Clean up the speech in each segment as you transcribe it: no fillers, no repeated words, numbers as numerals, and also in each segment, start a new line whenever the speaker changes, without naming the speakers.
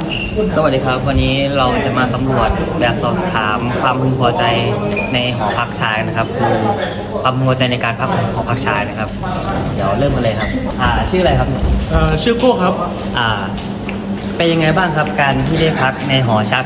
สวัสดีครับวันนี้เราจะมาสำรวจแบบสอบถามความพึงพอใจในหอพักชายนะครับคือความพึงพอใจในการพักของหอพักชายนะครับเดี๋ยวเริ่มกันเลยครับชื่ออะไรครับ
ชื่อโก้ครับ
เป็นยังไงบ้างครับการที่ได้พักในหอชัก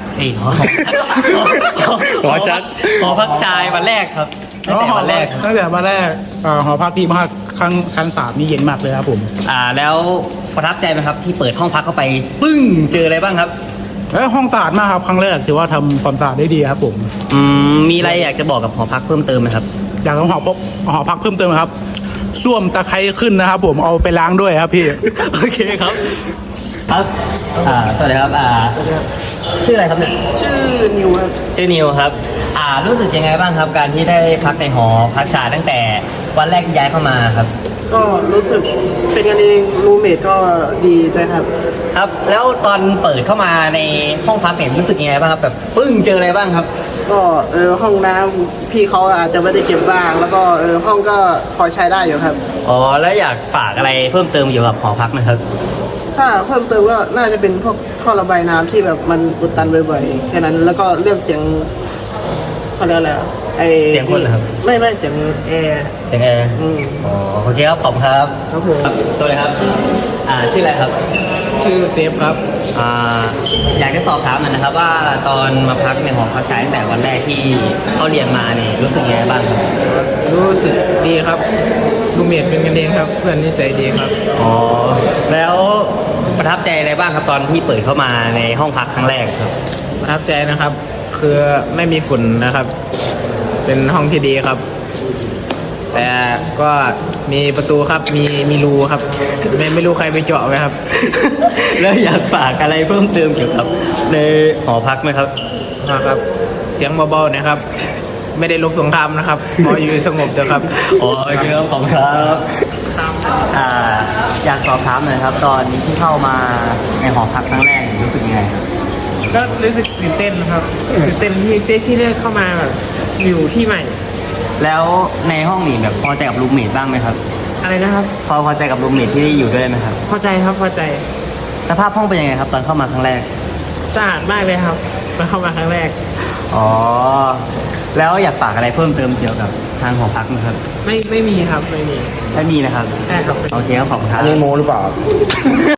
หอชักหอพักชายวันแรกครับตั้งแต่วันแรกครับ
ตั้งแต่วันแรกหอพักที่มากครั้งสามนี่เย็นมากเลยครับผม
แล้วประทับใจไหมครับที่เปิดห้องพักเข้าไปปึ้งเจออะไรบ้างครับ
ห้องสะอาดมากครับครั้งแรกถือว่าทำความสะอาดได้ดีครับผม
มีอะไรอยากจะบอกกับหอพักเพิ่มเติมไหมครับ
อยากหอพักเพิ่มเติมครับส้วมตะไคร้ขึ้นนะครับผมเอาไปล้างด้วยครับพี่
โอเคครับครับสวัสดีครับชื่ออะไรครับเนี่ย
ชื่อนิวครับ
ชื่อนิวครับรู้สึกยังไงบ้างครับ การที่ได้พักในหอพักชายตั้งแต่วันแรกที่ย้ายเข้ามาครับ
ก็รู้สึกเป็นกันเองรูเมทก็ดีด้วยครับ
ครับ แล้วตอนเปิดเข้ามาในห้องพักเนี่ยรู้สึกยังไงบ้างครับแบบปึ้งเจออะไรบ้างครับ
ก็ห้องน้ำพี่เขาอาจจะไม่ได้เก็บบ้าง แล้วก็ห้องก็พอใช้ได้อยู่ครับ
อ๋อแล้วอยากฝากอะไรเพิ่มเติมเกี่ยวกับหอพักไหมครับ
ถ้าเพิ่มเติมก็น่าจะเป็นพวกท่อระบายน้ำที่แบบมันอุดตันบ่อยๆแค่นั้นแล้วก็เรื่องเสียงเขาเรียกอะไร
เสียงคนเหรอครับ
ไม่เสียงแอร์
เสียงแอร์ อ๋อโอเคครับขอบคุณครับ
ครับผม
สวัสดีครับชื่ออะไรครับ
ชื่อเซฟครับ
อยากจะสอบถามหน่อยนะครับว่าตอนมาพักในหอพักชายตั้งแต่วันแรกที่เขาเรียนมาเนี่ยรู้สึกยังไงบ้างครับ
รู้สึกดีครับรูเมทเป็นกันเองครับ เพื่อนนิสัยดีครับ
อ๋อแล้วประทับใจอะไรบ้างครับตอนที่เปิดเข้ามาในห้องพักครั้งแรกครับ
ประทับใจนะครับ คือไม่มีฝุ่นนะครับ เป็นห้องที่ดีครับ แต่ก็มีประตูครับมีรูครับ ไม่รู้ใครไปเจาะไว้ครับ
แล้วอยากฝากอะไรเพิ่มเติมเกี่ยวกับในหอพักไหมครับ
นะครับ เสียงเบาๆนะครับ ไม่ได้ลบสงครามนะครับขออยู่สงบเถอะครับ
อ๋อโอเคครับขอบคุณครับอยากสอบถามหน่อยครับ ตอนที่เข้ามาในหอพักครั้งแรกรู้สึกยังไงครับ
ก็รู้สึกตื่นเต้นครับตื่นเต้นที่ได้เข้ามาแบบอยู่ที่ใหม่
แล้วในห้องนี้แบบพอใจกับรูมเมทบ้างไหมครับ
อะไรนะครับ
พอใจกับรูมเมทที่ได้อยู่ด้วยไหมครับ
พอใจครับพอใจ
สภาพห้องเป็นยังไงครับ ตอนเข้ามาครั้งแรก
สะอาดมากเลยครับมาเข้ามาครั้งแรก
อ๋อแล้วอยากฝากอะไรเพิ่มเติมเกี่ยวกับทางหอพักไหมครับ
ไม่มีครับไม่มี
ไม่มีนะครับ
ใช่ครับ
โอเคครับขอบคุณครับ
อันนี้โมหรือเปล่า